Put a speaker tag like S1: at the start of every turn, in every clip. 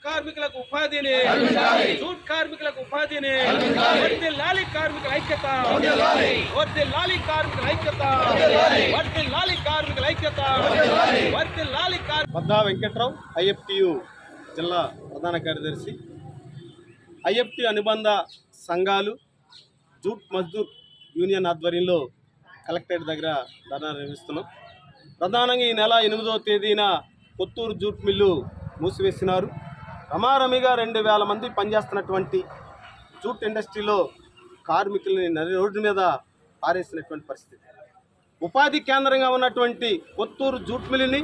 S1: కార్మికులకు ఉపాధిని జూట్ కార్మికులకు ఉపాధిని వర్ధిల్లాలి కార్మికుల ఐక్యత వర్ధిల్లాలి కార్మికుల ఐక్యత వర్ధిల్లాలి కార్మికుల ఐక్యత వర్ధిల్లాలి.
S2: బద్దా వెంకట్రావు, ఐఎఫ్టియు జిల్లా ప్రధాన కార్యదర్శి. ఐఎఫ్టి అనుబంధ సంఘాలు జూట్ మజ్దూర్ యూనియన్ ఆధ్వర్యంలో కలెక్టరేట్ దగ్గర ధర్నా నిర్వహిస్తున్నాం. ప్రధానంగా ఈ నెల 8వ తేదీన కొత్తూరు జూట్ మిల్లు మూసివేసినారు. రమారమిగా 2000 మంది పనిచేస్తున్నటువంటి జూట్ ఇండస్ట్రీలో కార్మికులని రోడ్డు మీద పారేసినటువంటి పరిస్థితి. ఉపాధి కేంద్రంగా ఉన్నటువంటి కొత్తూరు జూట్ మిల్లుని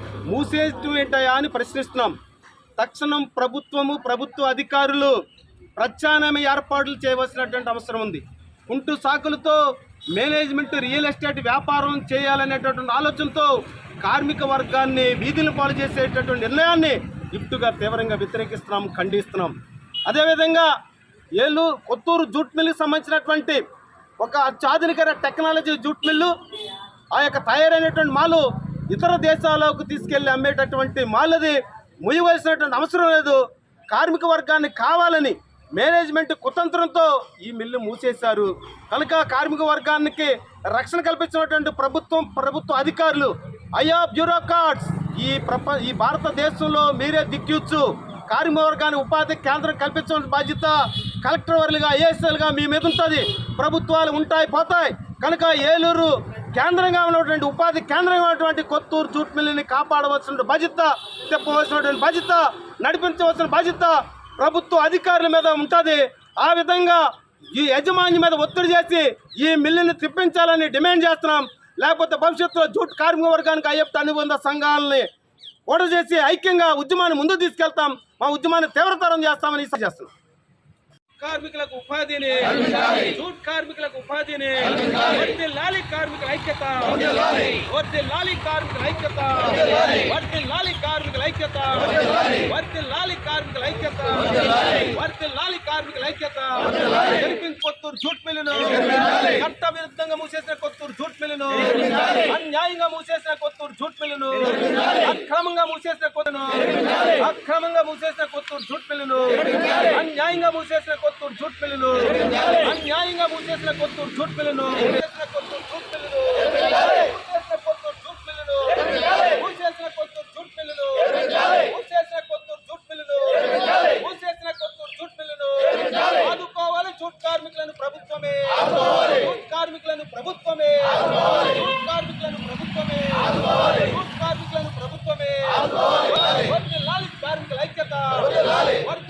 S2: మూసేటయా అని ప్రశ్నిస్తున్నాం. తక్షణం ప్రభుత్వ అధికారులు ప్రత్యామ్నాయ ఏర్పాట్లు చేయవలసినటువంటి అవసరం ఉంది. కుంటు సాకులతో మేనేజ్మెంట్ రియల్ ఎస్టేట్ వ్యాపారం చేయాలనేటటువంటి ఆలోచనతో కార్మిక వర్గాన్ని వీధులు పాలు చేసేటటువంటి నిర్ణయాన్ని ఇప్పుడుగా తీవ్రంగా వ్యతిరేకిస్తున్నాం, ఖండిస్తున్నాం. అదేవిధంగా కొత్తూరు జూట్ మిల్లుకి సంబంధించినటువంటి ఒక అత్యాధునిక టెక్నాలజీ జూట్ మిల్లు, ఆ యొక్క తయారైనటువంటి మాలు ఇతర దేశాలకు తీసుకెళ్లి అమ్మేటటువంటి మాలది ముయ్యవలసినటువంటి అవసరం లేదు. కార్మిక వర్గాన్ని కావాలని మేనేజ్మెంట్ కుతంత్రంతో ఈ మిల్లు మూసేశారు కనుక కార్మిక వర్గానికి రక్షణ కల్పించినటువంటి ప్రభుత్వ అధికారులు, అయ్యా బ్యూరోక్రాట్స్, ఈ భారతదేశంలో మీరే దిక్కిచ్చు. కార్మిక వర్గాన్ని ఉపాధి కేంద్రం కల్పించడం బాధ్యత కలెక్టర్ వర్లుగా, ఐఏఎస్ఎల్గా మీ మీద ఉంటుంది. ప్రభుత్వాలు ఉంటాయి పోతాయి కనుక ఏలూరు కేంద్రంగా ఉన్నటువంటి ఉపాధి కేంద్రంగా ఉన్నటువంటి కొత్తూరు జూట్ మిల్లుని కాపాడవలసిన బాధ్యత, చెప్పవలసినటువంటి బాధ్యత, నడిపించవలసిన బాధ్యత ప్రభుత్వ అధికారుల మీద ఉంటుంది. ఆ విధంగా ఈ యాజమాన్యం మీద ఒత్తిడి చేసి ఈ మిల్లుని తిప్పించాలని డిమాండ్ చేస్తున్నాం. లేకపోతే భవిష్యత్తులో జూట్ కార్మిక వర్గానికి ఐఎఫ్టి అనుబంధ సంఘాలని ఓడ చేసి ఐక్యంగా ఉద్యమాన్ని ముందుకు తీసుకెళ్తాం. మా ఉద్యమాన్ని తీవ్రతరం చేస్తామని చేస్తున్నాం.
S1: కార్మికులకు ఉపాధిని జూట్ కార్మికులకు ఉపాధిని వర్ధిల్లాలి కార్మికుల ఐక్యత వర్ధిల్లాలి కార్మికుల ఐక్యత వర్ధిల్లాలి కార్మికుల ఐక్యత వర్ధిల్లాలి కార్మికుల ఐక్యత వర్ధిల్లాలి కార్మికుల ఐక్యత. కొత్తూరు జూట్ మిల్లును చట్ట విరుద్ధంగా మూసేసిన కొత్తూరు జూట్ మిల్లును, అన్యాయంగా మూసేసిన కొత్తూరు జూట్ మిల్లును, అక్రమంగా మూసేసిన కొత్తూరు జూట్ మిల్లును, అన్యాయంగా మూసేసిన కొత్తూరు జూట్ మిల్లును, అన్యాయంగా మూసేసిన కొత్తూరు జూట్ మిల్లును, ఆదుకోవాలి జూట్ కార్మికులను ప్రభుత్వమే, జూట్ కార్మికులను ప్రభుత్వమే, జూట్ కార్మికులను ప్రభుత్వమే, జూట్ కార్మికులను ప్రభుత్వమే. వర్ధిల్లాలి కార్మికుల ఐక్యత.